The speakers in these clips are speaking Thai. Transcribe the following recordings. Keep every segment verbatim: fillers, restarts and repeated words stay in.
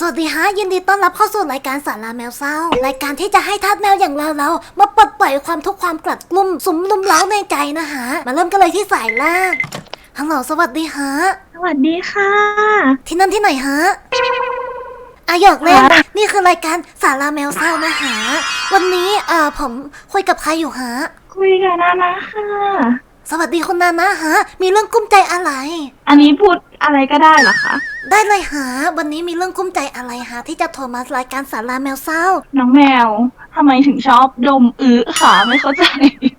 วัสดีฮะยินดีต้อนรับเข้าสู่รายการสาราแมวเศร้ารายการที่จะให้ทาสแมวอย่างเราเรามาปลดปล่อยความทุกข์ความกลัดกลุ้มสุมลุมเล้าในใจนะฮะมาเริ่มกันเลยที่สายแรกฮัลโหลสวัสดีฮะสวัสดีค่ะที่นั่นที่ไหนฮะอะหยอกเล่นนี่คือรายการสาราแมวเศร้านะฮะวันนี้เอ่อผมคุยกับใครอยู่ฮะคุยกับนานะค่ะสวัสดีคุณนานะฮะมีเรื่องกุ้มใจอะไรอันนี้พูดอะไรก็ได้เหรอคะได้เลยฮะวันนี้มีเรื่องกุ้มใจอะไรฮะที่จะโทรมารายการสาราแมวเศร้าน้องแมวทำไมถึงชอบดมอื้อค่ะไม่เข้าใจ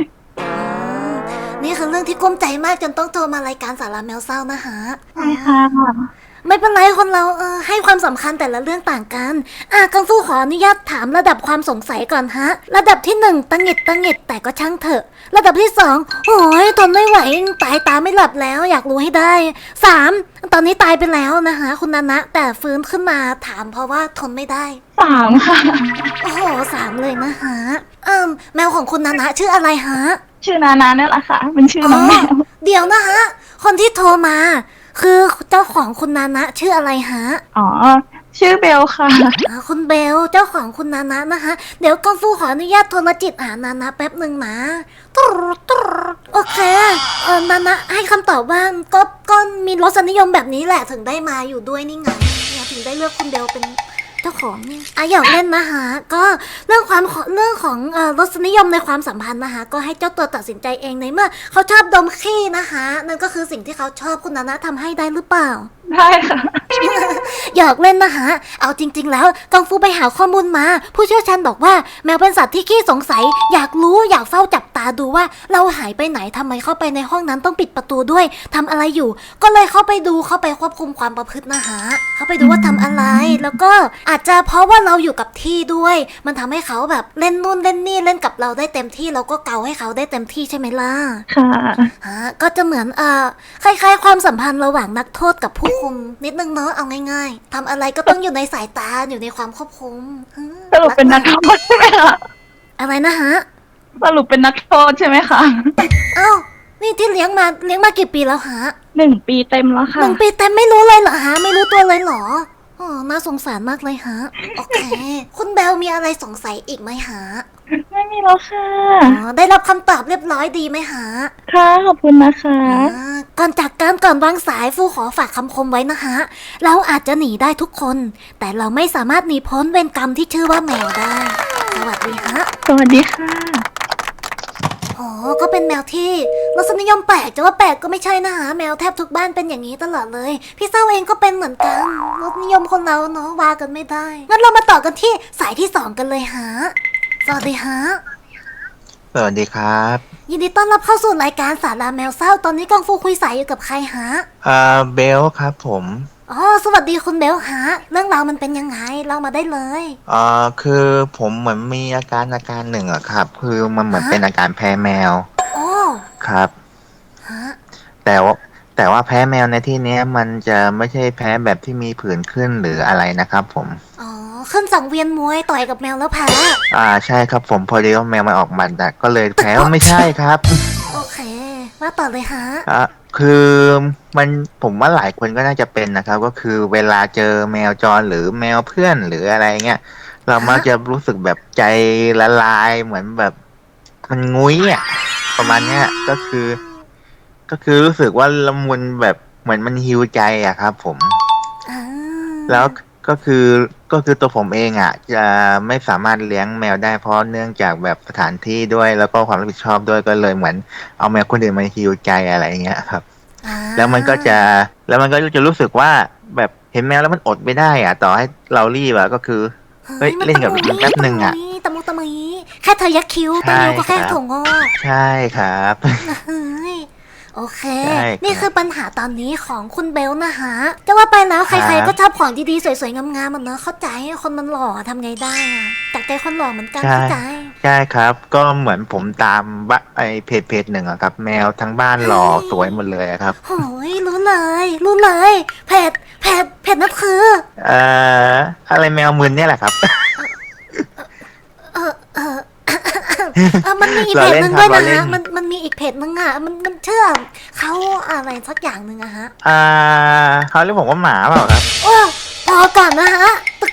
นี่คือเรื่องที่กุ้มใจมากจนต้องโทรมารายการสาราแมวเศร้านะฮะใช่ค่ะไม่เป็นไรคนเราเออให้ความสำคัญแต่ละเรื่องต่างกันอ่ะกังฟูขออนุญาตถามระดับความสงสัยก่อนฮะระดับที่หนึ่งตังหิดตังหิดแต่ก็ช่างเถอะระดับที่สองโอ้ยทนไม่ไหวตายตาไม่หลับแล้วอยากรู้ให้ได้สามตอนนี้ตายไปแล้วนะคะคุณนานะแต่ฟื้นขึ้นมาถามเพราะว่าทนไม่ได้สามค่ะโอ้โหสามเลยนะฮะเอิ่มแมวของคุณนานะชื่ออะไรฮะชื่อนานาเนี่ยแหละค่ะเป็นชื่อน้องแมวเดี๋ยวนะฮะคนที่โทรมาคือเจ้าของคุณนานะชื่ออะไรฮะอ๋อชื่อเบลค่ะคุณเบลเจ้าของคุณนานะนะคะเดี๋ยวกังฟูขออนุญาตโทรจิตหานานะแป๊บหนึ่งนะตุ๊ดตุ๊ดโอเคเออนานะให้คำตอบว่าก็ก็มีรสนิยมแบบนี้แหละถึงได้มาอยู่ด้วยนี่ไงถึงได้เลือกคุณเบลเป็นเจ้าของนี่อ่ะอยากเล่นนะคะก็เรื่องความเรื่องของเอ่อรสนิยมในความสัมพันธ์นะคะก็ให้เจ้าตัวตัดสินใจเองในเมื่อเขาชอบดมขี้นะคะนั่นก็คือสิ่งที่เขาชอบคุณนานะทำให้ได้หรือเปล่าได้ค่ะอยากเล่นนะคะเอาจริงๆแล้วกังฟูไปหาข้อมูลมาผู้เชี่ยวชาญบอกว่าแมวเป็นสัตว์ที่ขี้สงสัยอยากรู้อยากเฝ้าจับตาดูว่าเราหายไปไหนทำไมเข้าไปในห้องนั้นต้องปิดประตูด้วยทำอะไรอยู่ก็เลยเข้าไปดูเข้าไปควบคุมความประพฤตินะคะเข้าไปดูว่าทำอะไรแล้วก็อาจจะเพราะว่าเราอยู่กับที่ด้วยมันทำให้เขาแบบเล่นนู่นเล่นนี่เล่นกับเราได้เต็มที่เราก็เกาให้เขาได้เต็มที่ใช่ไหมล่ะค่ะฮะก็จะเหมือนเอ่อคล้ายๆความสัมพันธ์ระหว่างนักโทษกับผู้คุมนิดนึงเนอะเอาง่ายๆทำอะไรก็ต้องอยู่ในสายตาอยู่ในความควบคุมสรุปเป็นนักโทษใช่ไหมคะอะไรนะฮะสรุปเป็นนักโทษใช่ไหมคะเอ้านี่ที่เลี้ยงมาเลี้ยงมากี่ปีแล้วฮะหนึ่งปีเต็มแล้วค่ะหนึ่งปีเต็มไม่รู้เลยเหรอฮะไม่รู้ตัวเลยเหรออ๋อน่าสงสารมากเลยฮะโอเคคุณเบลมีอะไรสงสัยอีกไหมฮะไม่มีแล้วค่ะอ๋อได้รับคำตอบเรียบร้อยดีไหมฮะค่ะขอบคุณนะคะก่อนจากการก่อนวางสายฟูขอฝากคำคมไว้นะคะเราอาจจะหนีได้ทุกคนแต่เราไม่สามารถหนีพ้นเวรกรรมที่ชื่อว่าแมวได้สวัสดีฮะสวัสดีค่ะอ๋อก็เป็นแมวที่รสนิยมแปลกจะว่าแปลกก็ไม่ใช่นะฮะแมวแทบทุกบ้านเป็นอย่างนี้ตลอดเลยพี่เศร้าเองก็เป็นเหมือนกันรสนิยมคนเราเนาะว่ากันไม่ได้งั้นเรามาต่อกันที่สายที่สองกันเลยฮะสวัสดีฮะสวัสดีครับยินดีต้อนรับเข้าสู่รายการสาราแมวเศร้าตอนนี้กังฟูคุยสายอยู่กับใครฮะอ่าเบลครับผมอ๋อสวัสดีคุณเบลฮะเรื่องราวมันเป็นยังไงเล่ามาได้เลยอ่าคือผมเหมือนมีอาการอาการหนึ่งอะครับคือมันเหมือนเป็นอาการแพ้แมวโอ้ครับฮะแต่ว่าแต่ว่าแพ้แมวในที่นี้มันจะไม่ใช่แพ้แบบที่มีผื่นขึ้นหรืออะไรนะครับผมอ๋อขึ้นสังเวียนมวยต่อยกับแมวแล้วแพ้อ่าใช่ครับผมพอดีว่าแมวมันออกหมัดอะก็เลยแพ้ไม่ใช่ครับโอเคว่าต่อเลยฮะอ่ะคือมันผมว่าหลายคนก็น่าจะเป็นนะครับก็คือเวลาเจอแมวจรหรือแมวเพื่อนหรืออะไรเงี้ยเรามักจะรู้สึกแบบใจละลายเหมือนแบบมันงุ้ยอ่ะประมาณเนี้ยก็คือ ก็คือรู้สึกว่าละมุนแบบเหมือนมันฮีลใจอะครับผมแล้วก็คือก็คือตัวผมเองอ่ะจะไม่สามารถเลี้ยงแมวได้เพราะเนื่องจากแบบสถานที่ด้วยแล้วก็ความรับผิดชอบด้วยก็เลยเหมือนเอาแมวคนอื่นมาฮีลใจอะไรเงี้ยครับแล้วมันก็จะแล้วมันก็จะรู้สึกว่าแบบเห็นแมวแล้วมันอดไม่ได้อ่ะต่อให้เรารีบอะก็คือเฮ้ยเล่นกับมันแป๊บนึงอ่ะตะมุตะมีแค่เธอยักคิ้วตะมิวก็แค่ถั่วงอกใช่ครับโอเคนี่คือปัญหาตอนนี้ของคุณเบลนะคะจะว่าไปแล้วใครๆก็ชอบของดีๆสวยๆงามๆมันเนอะเข้าใจคนมันหล่อทำไงได้อะจากใจคนหล่อเหมือนกันเข้าใจใช่ครับก็เหมือนผมตามไอเพจเพจหนึ่งอะครับแมวทั้งบ้านหล่อสวยหมดเลยครับโอ้ยรู้เลยรู้เลยเพจเพจเพจนั่นคือเอ่ออะไรแมวมึนเนี่ยแหละครับเออเออเออมันมีอีกเพจหนึ่งด้วยนะฮะมันมันมีอีกเพจหนึ่งอ่ะมันมันเชื่อเขาอะไรสักอย่างหนึ่งอะฮะอ่าเขาเรียกผมว่าหมาเปล่าครับโอ้พอก่อนนะฮะ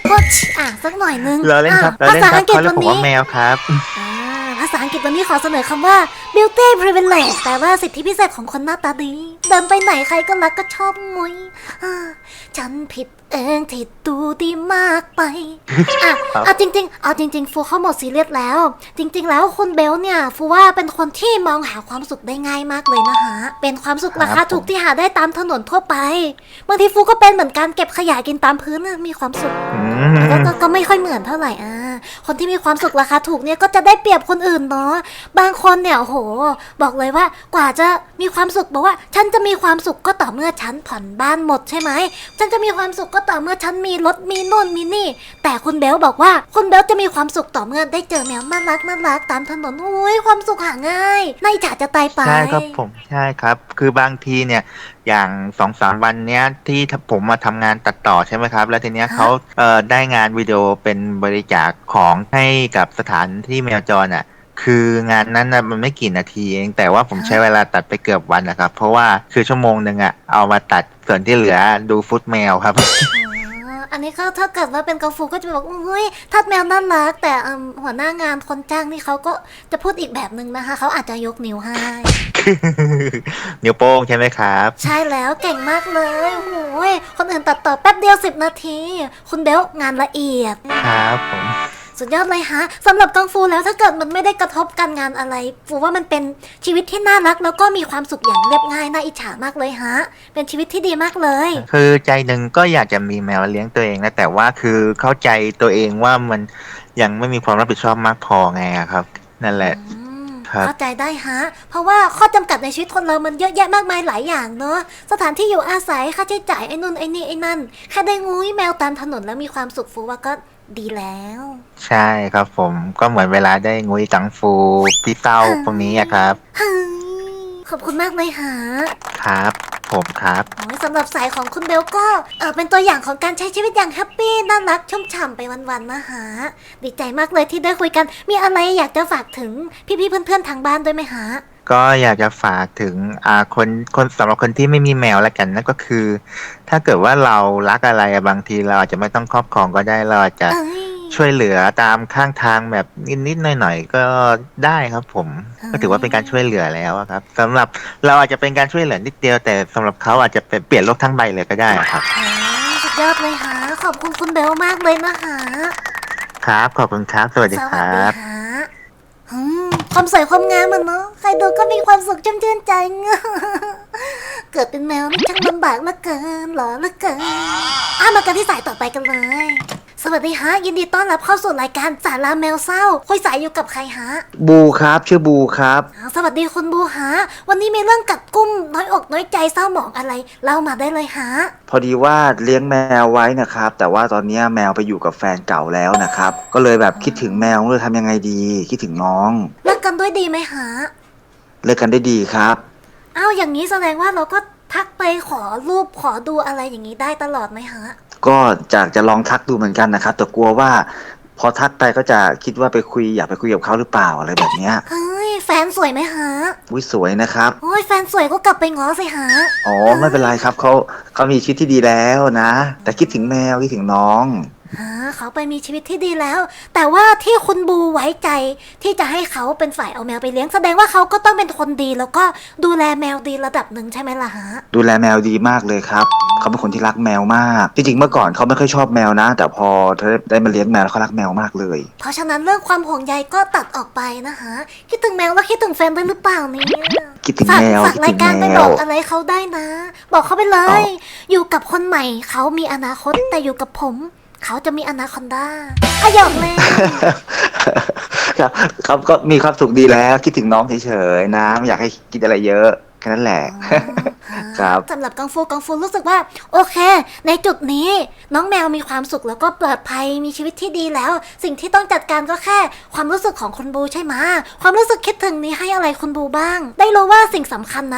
ก็อ่ะสักหน่อยนึงเราเล่นครับอ่ะเราเล่นภาษาครัอับงกฤษเขาเรียวักนผมนี้ว่าแมวครับอ่าภาษาอังกฤษวันนี้ขอเสนอคำว่า beauty privilege แปลว่าสิทธิพิเศษของคนหน้าตาดี เดินไปไหนใครก็รักก็ชอบงุยอ่าฉันผิดเองที่ดูดีมากไป อ่ะครับเอาจริงๆ เอาจริงๆ ฟูเข้าหมดซีเรียสแล้ว จริง ๆ แล้วคุณเบลเนี่ย ฟูว่าเป็นคนที่มองหาความสุขได้ง่ายมากเลยนะคะ เป็นความสุขราคาถูกที่หาได้ตามถนนทั่วไป บางทีฟูก็เป็นเหมือนการเก็บขยะกินตามพื้นน่ะมีความสุขอืก็มก็ก็ไม่ค่อยเหมือนเท่าไหร่อ่าคนที่มีความสุขราคาถูกเนี่ยก็จะได้เปรียบคนอื่นเนาะ บางคนเนี่ยโอ้โห บอกเลยว่ากว่าจะมีความสุขบอกว่าฉันจะมีความสุขก็ต่อเมื่อฉันผ่อนบ้านหมดใช่ไหม ฉันจะมีความสุขก็ต่อเมื่อฉันมีรถมีนู่นมีนี่ แต่คุณเบลบอกว่าคุณเบลจะมีความสุขต่อเมื่อได้เจอแมวน่ารักน่ารักตามถนนโอ้ยความสุขหาง่ายน่าอิจฉาจะตายไปใช่ครับผมใช่ครับ คือบางทีเนี่ยอย่างสองสามวันเนี้ยที่ผมมาทำงานตัดต่อใช่ไหมครับ แล้วทีเนี้ยฮะเขาเอ่อได้งานวิดีโอเป็นบริจาคของให้กับสถานที่แมวจรอ่ะ คืองานนั้นนะมันไม่กี่นาทีเองแต่ว่าผมใช้เวลาตัดไปเกือบวันนะครับ เพราะว่าคือชั่วโมงหนึ่งอ่ะเอามาตัดส่วนที่เหลือดูฟุตแมวครับอ๋ออันนี้ก็ถ้าเกิดว่าเป็นกาฟูก็จะบอกอุ้ยทัดแมวน่ารักแต่เอิ่มหัวหน้างานคนจ้างนี่เขาก็จะพูดอีกแบบหนึ่งนะคะเขาอาจจะยกนิ้วให้นิ้วโป้งใช่ไหมครับใช่แล้วเก่งมากเลยโอ้ยคนอื่นตัดต่อแป๊บเดียวสิบนาที คุณเบลงานละเอียดครับผมสุดยอดเลยฮะสำหรับกังฟูแล้วถ้าเกิดมันไม่ได้กระทบการงานอะไรฟูว่ามันเป็นชีวิตที่น่ารัก แล้วก็มีความสุขอย่างเรียบง่ายน่าอิจฉามากเลยฮะ เป็นชีวิตที่ดีมากเลยคือใจหนึ่งก็อยากจะมีแมวเลี้ยงตัวเองนะแต่ว่าคือเข้าใจตัวเองว่ามันยังไม่มีความรับผิดชอบมากพอไงอะครับ นั่นแหละอืมครับเข้าใจได้ฮะ เพราะว่าข้อจำกัดในชีวิตคนเรามันเยอะแยะมากมายหลายอย่างเนอะสถานที่อยู่อาศัยค่าใช้จ่ายไอ้นู่นไอ้นี่ไอ้นั่นแค่ได้งูยแมวตามถนนแล้วมีความสุขฟูว่าก็ดีแล้วใช่ครับผมก็เหมือนเวลาได้งุยกังฟูพี่เต้าพวกนี้อะครับเฮ้ยขอบคุณมากเลยฮะครับ ผมครับโอ้ยสำหรับสายของคุณเบลก็เออเป็นตัวอย่างของการใช้ชีวิตอย่างแฮปปี้น่ารักชุ่มฉ่ำไปวันๆนะฮะดีใจมากเลยที่ได้คุยกัน มีอะไรอยากจะฝากถึงพี่ๆเพื่อนๆทางบ้านด้วยไหมฮะก็อยากจะฝากถึงอ่าคนคนสำหรับคนที่ไม่มีแมวแล้วกันนั่นก็คือ ถ้าเกิดว่าเรารักอะไรอะบางทีเราอาจจะไม่ต้องครอบครองก็ได้เราอาจจะเอ้ยช่วยเหลือตามข้างทางแบบนิดๆหน่อยๆก็ได้ครับผมอ่าก็ถือว่าเป็นการช่วยเหลือแล้วอะครับสำหรับเราอาจจะเป็นการช่วยเหลือนิดเดียวแต่สำหรับเขาอาจจะเป็นเปลี่ยนโลกทั้งใบเลยก็ได้ครับโอ้ยสุดยอดเลยฮะขอบคุณคุณเบลมากเลยนะฮะครับขอบคุณครับสวัสดีสควัสรัดีบฮะอืมความสวยความงามมันเนาะใครดูก็มีความสุขชุ่มชื่นใจ เกิดเป็นแมวนี่ช่างลำบากเหลือเกินหรอเหลือเกินอ่ะมากันที่สายต่อไปกันเลย สวัสดีฮะยินดีต้อนรับเข้าสู่รายการสาราแมวเศร้าคุยสายอยู่กับใครฮะบูครับชื่อบูครับอ้าวสวัสดีคุณบูฮะวันนี้มีเรื่องกัดกุ้มน้อยอกน้อยใจเศร้าหมองอะไรเล่ามาได้เลยฮะพอดีว่าเลี้ยงแมวไว้นะครับ แต่ว่าตอนเนี้ยแมวไปอยู่กับแฟนเก่าแล้วนะครับ ก็เลยแบบคิดถึงแมวเลยทำยังไงดี คิดถึงน้องเลิกกันด้วยดีไหมฮะเลิกกันได้ดีครับอ้าวอย่างนี้แสดงว่าเราก็ทักไปขอรูปขอดูอะไรอย่างนี้ได้ตลอดไหมฮะก็จากจะลองทักดูเหมือนกันนะครับ แต่กลัวว่า พอทักไปก็จะคิดว่าไปคุยอยากไปคุยกับเขาหรือเปล่าอะไรแบบเนี้ยเฮ้ยแฟนสวยไหมฮะวิสวยนะครับโอ้ยแฟนสวยก็กลับไปง้อสิฮะอ๋อไม่เป็นไรครับเขาเขามีชีวิตที่ดีแล้วนะ แต่คิดถึงแมวคิดถึงน้องฮะเขาไปมีชีวิตที่ดีแล้ว แต่ว่าที่คุณบูไว้ใจที่จะให้เขาเป็นฝ่ายเอาแมวไปเลี้ยงแสดงว่าเขาก็ต้องเป็นคนดีแล้วก็ดูแลแมวดีระดับหนึ่งใช่ไหมล่ะฮะดูแลแมวดีมากเลยครับเขาเป็นคนที่รักแมวมากจริงๆเมื่อก่อนเขาไม่ค่อยชอบแมวนะ แต่พอได้มาเลี้ยงแมวแล้วเขารักแมวมากเลยเพราะฉะนั้นเรื่องความห่วงใยก็ตัดออกไปนะคะคิดถึงแมวแล้วคิดถึงแฟนด้วยหรือเปล่าเนี่ยคิดถึงฝากแมวฝากคิดราถึยงการไปแมบอวกอะไรเขาได้นะ บอกเขาไปเลยเอาอยู่กับคนใหม่เขามีอนาคตแต่อยู่กับผม เขาจะมีอนาคอนดาอะหยอกเลยครับครับก็มีความสุขดีแล้วคิดถึงน้องเฉยๆนะไม่อยากให้คิดอะไรเยอะแค่นั้นแหละ ครับสำหรับกังฟูกังฟูรู้สึกว่า โอเค ในจุดนี้น้องแมวมีความสุขแล้วก็ปลอดภัยมีชีวิตที่ดีแล้ว สิ่งที่ต้องจัดการก็แค่ ความรู้สึกของคุณบูใช่ไหมความรู้สึกคิดถึงนี้ให้อะไรคุณบูบ้าง ได้รู้ว่าสิ่งสำคัญนั้น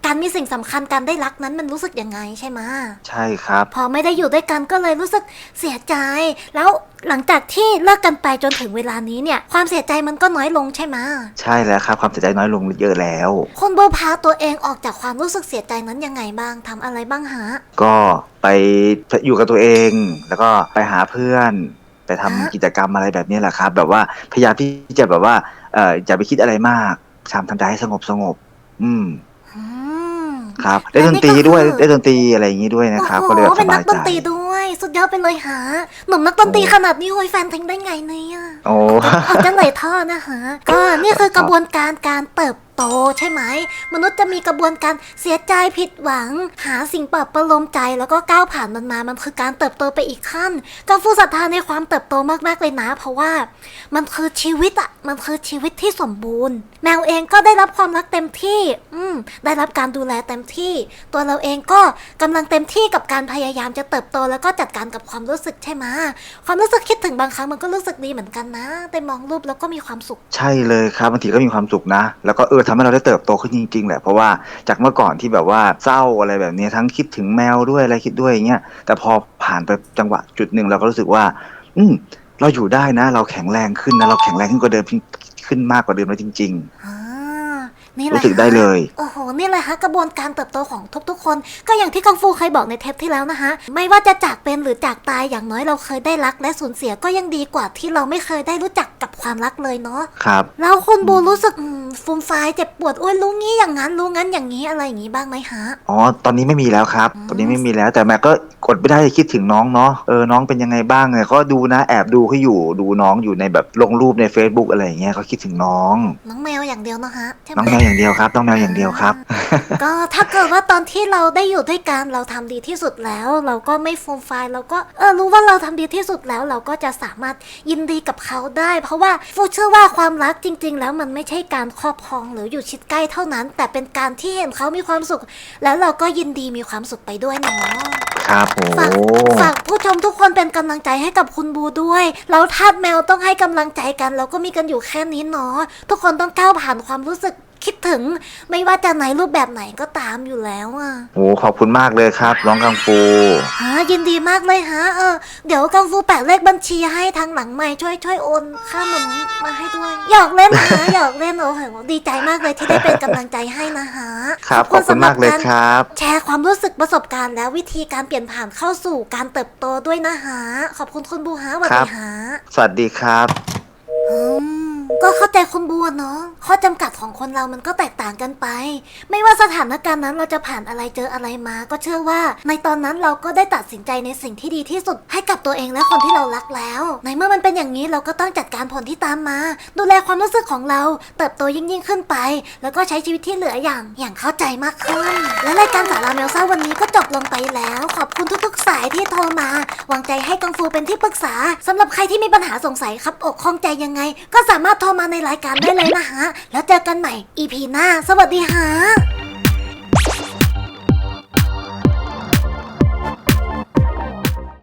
การมีสิ่งสำคัญการได้รักนั้นมันรู้สึกยังไงใช่ไหมใช่ครับพอไม่ได้อยู่ด้วยกันก็เลยรู้สึกเสียใจ แล้วหลังจากที่เลิกกันไปจนถึงเวลานี้เนี่ยความเสียใจมันก็น้อยลงใช่ไหมใช่แล้วครับความเสียใจน้อยลงเยอะแล้วคุณโบพาตัวเองออกจากความรู้สึกเสียใจนั้นยังไงบ้างทำอะไรบ้างฮะก็ไปอยู่กับตัวเอง แล้วก็ไปหาเพื่อน ไปทำฮะกิจกรรมอะไรแบบนี้แหละครับ แบบว่าพยายามที่จะแบบว่าเอ่ออย่าไปคิดอะไรมากพยายามทำใจให้สงบสงบอืมอืมครับได้ดนตรีด้วยได้ดนตรีอะไรอย่างนี้ด้วยนะครับโอ้ก็โหเลยแบบสเป็นนับาก ยดใจนตรีด้วย สุดยอดไปเลยฮะหนุ่มนักดนตรีขนาดนี้โหยแฟนทิ้งได้ไงเนี่ยโอ้ออกจะเลยท่อนะฮะ ก็นี่คือกระบวนการการเติบโตใช่ไหม มนุษย์จะมีกระบวนการเสียใจผิดหวัง หาสิ่งปลอบประโลมใจแล้วก็ก้าวผ่านมันมา มันคือการเติบโตไปอีกขั้นกังฟูศรัทธาในความเติบโตมากๆเลยนะ เพราะว่ามันคือชีวิตอะมันคือชีวิตที่สมบูรณ์ แมวเองก็ได้รับความรักเต็มที่ อืมได้รับการดูแลเต็มที่ ตัวเราเองก็กำลังเต็มที่กับการพยายามจะเติบโตแล้วก็จัดการกับความรู้สึกใช่ไหมความรู้สึกคิดถึงบางครั้งมันก็รู้สึกดีเหมือนกันนะแต่มองรูปแล้วก็มีความสุขใช่เลยครับบางทีก็มีความสุขนะ แล้วก็เออทำให้เราได้เติบโตขึ้นจริงๆแหละเพราะว่าจากเมื่อก่อนที่แบบว่าเศร้าอะไรแบบนี้ทั้งคิดถึงแมวด้วยอะไรคิดด้วยอย่างเงี้ยแต่พอผ่านไปจังหวะจุดหนึ่งเราก็รู้สึกว่า อืมเราอยู่ได้นะ เราแข็งแรงขึ้นนะเราแข็งแรงขึ้นกว่าเดิมขึ้นมากกว่าเดิมแล้วจริงอ่านี่แหละรู้สึกได้เลยโอ้โห นี่แหละฮะกระบวนการเติบโตของทุกๆคน ก็อย่างที่กังฟูเคยบอกในเทปที่แล้วนะคะ ไม่ว่าจะจากเป็นหรือจากตายอย่างน้อยเราเคยได้รักและสูญเสียก็ยังดีกว่าที่เราไม่เคยได้รู้จักกับความรักเลยเนาะๆ ครับแล้วคุณบูรู้สึกอืมฟูมฟายเจ็บปวดโอ้ยรู้งี้อย่างนั้นรู้งั้นอย่างนี้อะไรอย่างนี้บ้างไหมฮะอ๋อตอนนี้ไม่มีแล้วครับ ตอนนี้ไม่มีแล้วแต่แม่ก็กดไม่ได้คิดถึงน้องเนาะเออน้องเป็นยังไงบ้างเนี่ยก็ดูนะแอบดูเขาอยู่ดูน้องอยู่ในแบบลงรูปใน Facebook อะไรอย่างเงี้ยเขาคิดถึงน้องน้องแมวอย่างเดียวนะฮะใช่ไหมน้องแมวอย่างเดียวครับน้องแมวอย่างเดียวครับก็ถ้าเกิดว่าตอนที่เราได้อยู่ด้วยกันเราทำดีที่สุดแล้ว เราก็ไม่ฟูมไฟายเราก็เออรู้ว่าเราทำดีที่สุดแล้ว เราก็จะสามารถยินดีกับเขาได้ เพราะว่าฟูเชื่อว่าความรักจริง ๆ แล้วมันไม่ใช่การครอบครองหรืออยู่ชิดใกล้เท่านั้น แต่เป็นการที่เห็นเขามีความสุข แล้วเราก็ยินดีมีความสุขไปด้วยเนาะครับโอ้ฝากฝากผู้ชมทุกคนเป็นกำลังใจให้กับคุณบูด้วยแล้วทาสแมวต้องให้กำลังใจกันเราก็มีกันอยู่แค่นี้เนาะทุกคนต้องก้าวผ่านความรู้สึกคิดถึง ไม่ว่าจะในรูปแบบไหนก็ตามอยู่แล้วอ่ะโหขอบคุณมากเลยครับน้องกังฟูฮะยินดีมากเลยฮะเออเดี๋ยวกังฟูแปะเลขบัญชีให้ทางหลังใหม่ช่วยช่วยโอนค่าหนุนมาให้ด้วยหยอกเล่นนะฮะหยอกเล่นโอ้โหดีใจมากเลยที่ได้เป็นกำลังใจให้นะฮะครับขอบคุณมากเลยครับแชร์ความรู้สึกประสบการณ์และวิธีการเปลี่ยนผ่านเข้าสู่การเติบโตด้วยนะฮะขอบคุณคุณบูฮะสวัสดีฮะสวัสดีครับอืมก็เข้าใจคุณบัวเนาะข้อจำกัดของคนเรามันก็แตกต่างกันไป ไม่ว่าสถานการณ์นั้นเราจะผ่านอะไรเจออะไรมา ก็เชื่อว่า ในตอนนั้นเราก็ได้ตัดสินใจในสิ่งที่ดีที่สุดให้กับตัวเองและคนที่เรารักแล้ว ในเมื่อมันเป็นอย่างนี้เราก็ต้องจัดการผลที่ตามมา ดูแลความรู้สึกของเราเติบโตยิ่งยิ่งขึ้นไป แล้วก็ใช้ชีวิตที่เหลืออย่างอย่างเข้าใจมากขึ้น และรายการสาราแมวเศร้าวันนี้ก็จบลงไปแล้ว ขอบคุณทุกๆสายที่โทรมาวางใจให้กังฟูเป็นที่ปรึกษาสำหรับใครที่มีปัญหาสงสัยครับอกข้องใจยังไง ก็สามารถโทรมาในรายการได้เลยนะฮะ แล้วเจอกันใหม่ อี พี หน้า สวัสดีฮะ